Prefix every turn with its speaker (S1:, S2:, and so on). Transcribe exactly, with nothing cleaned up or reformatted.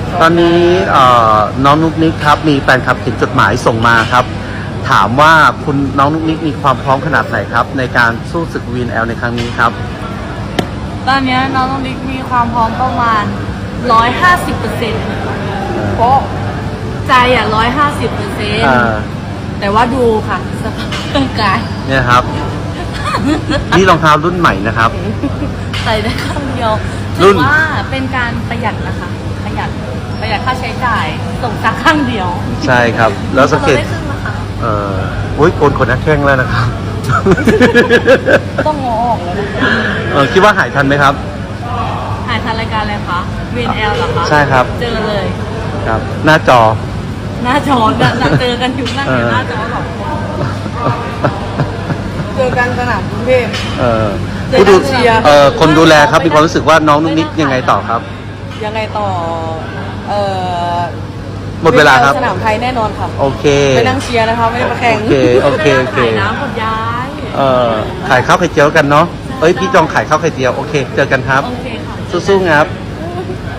S1: ตอนนี้น้องนุ๊กนิกครับมีแฟนคลับเขียนจดหมายส่งมาครับถามว่าคุณน้องนุ๊กนิกมีความพร้อมขนาดไหนครับในการสู้ศึก วี เอ็น แอล ในครั้งนี้ครับ
S2: ตอนนี้น้องนุ๊กนิกมีความพร้อมประมาณร้อยห้าสิบเปอร์เซ็นต์เพราะใจอ่ะร้อยห้าสิบเปอร์เซ็นต์แต่ว่าดูค่ะสภาพร่างกาย
S1: เนี่ยครับ นี่รองเท้ารุ่นใหม่นะครับ
S2: ใส่ได้ข้างเดียว
S1: รุ่
S2: ถือน ว่าเป็นการประหยัดนะคะประหยัดประหยัดค่าใช้จ่ายส่งจากข้างเดียว
S1: ใช่ครับแล้วสังเกต
S2: ราได้ครึ่งนะคะ
S1: เอ่อโอ้ยโกนขนหน้าแข้งแล้วนะครับ
S2: ต้องงอออกแล้วนะคะ
S1: เออคิดว่าหายทันไหมครับ
S2: ถ่ายทันรายการอะไรคะ วี เอ็น แอล เหรอคะ
S1: ใช่ครับ
S2: เจอเลย
S1: ครับ หน้าจอ
S2: หน้าจอเนี่ยเจอกันอยู่นั่งอยู่หน้าจอหรอกเจอกันสนามกรุงเทพ
S1: เออ
S2: เจอ
S1: ผู้ดู
S2: กันเชียร์
S1: เอ่อคนดูแลครับมีความรู้สึกว่าน้องนุ๊กนิกยังไงต่อครับ
S3: ยังไงต่อ เอ่อ
S1: หมดเวลาครับ
S3: สนามไทยแน่นอนค่ะ
S1: โอเค
S3: ไปนั่งเชียร์นะคะ ไม่ได้มาแข่ง
S1: โอเคโอเคโอเค
S2: ขายน้ำคนย้าย
S1: เอ่อขายข้าวไข่เจียวกันเนาะเอ้ยพี่จองขายข้าวไข่เจียวโอเค เจอกันครับ
S2: โอเคค่ะ
S1: สู้ๆครับ
S2: ค